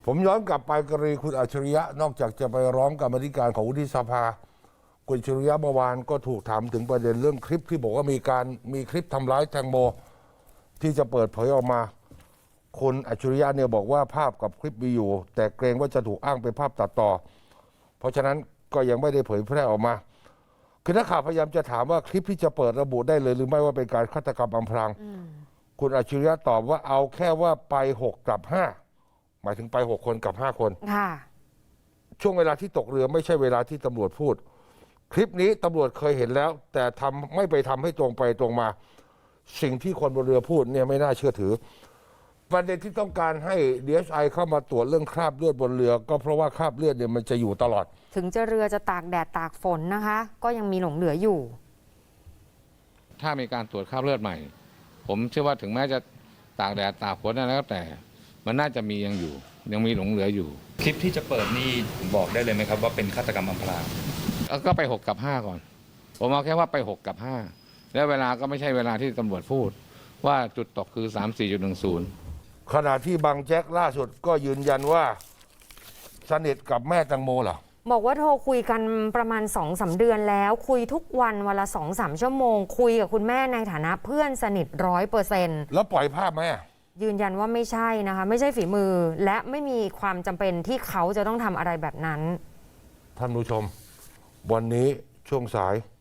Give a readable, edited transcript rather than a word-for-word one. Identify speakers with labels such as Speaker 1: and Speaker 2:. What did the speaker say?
Speaker 1: ผมย้อนกลับไปกรณีคุณอัจฉริยะนอกจากจะไปร้องกรรมาธิการของวุฒิสภาคุณอัจฉริยะเมื่อวานก็ถูกถามถึงประเด็นเรื่องคลิปที่บอกว่ามีคลิปทำร้ายแตงโมที่จะเปิดเผยออกมาคุณอัจฉริยะเนี่ยบอกว่าภาพกับคลิปมีอยู่แต่เกรงว่าจะถูกอ้างเป็นภาพตัดต่อเพราะฉะนั้นก็ยังไม่ได้เผยแพร่ออกมาคือนักข่าวพยายามจะถามว่าคลิปที่จะเปิดระบุได้เลยหรือไม่ว่าเป็นการฆาตกรรมอำพรางคุณอัจฉริยะตอบว่าเอาแค่ว่าไป6กับ5หมายถึงไป6คนกับ5คน
Speaker 2: ค่ะ
Speaker 1: ช่วงเวลาที่ตกเรือไม่ใช่เวลาที่ตำรวจพูดคลิปนี้ตำรวจเคยเห็นแล้วแต่ไม่ไปทำให้ตรงไปตรงมาสิ่งที่คนบนเรือพูดเนี่ยไม่น่าเชื่อถือประเด็นที่ต้องการให้ DSI เข้ามาตรวจเรื่องคราบเลือดบนเรือก็เพราะว่าคราบเลือดเนี่ยมันจะอยู่ตลอด
Speaker 2: ถึงจะเรือจะตากแดดตากฝนนะคะก็ยังมีหลงเหลืออยู่
Speaker 3: ถ้ามีการตรวจคราบเลือดใหม่ผมเชื่อว่าถึงแม้จะตากแดดตากฝนแล้วแต่มันน่าจะมียังมีหลงเหลืออยู่
Speaker 4: คลิปที่จะเปิดนี่บอกได้เลยไหมครับว่าเป็นฆาตกรรมอำพราง
Speaker 3: ก็ไป6กับ5ก่อนผมเอาแค่ว่าไป6กับ5แล้วเวลาก็ไม่ใช่เวลาที่ตำรวจพูดว่าจุดตกคือ 34.10
Speaker 1: ขณะที่บางแจ็คล่าสุดก็ยืนยันว่าสนิทกับแม่แตงโมเหรอ
Speaker 2: บอกว่าโทรคุยกันประมาณ 2-3 เดือนแล้วคุยทุกวันวันละ 2-3 ชั่วโมงคุยกับคุณแม่ในฐานะเพื่อนสนิท 100%
Speaker 1: แล้วปล่อยภาพไหม
Speaker 2: ยืนยันว่าไม่ใช่นะคะไม่ใช่ฝีมือและไม่มีความจำเป็นที่เขาจะต้องทำอะไรแบบนั้น
Speaker 1: ท่านผู้ชมวันนี้ช่วงสาย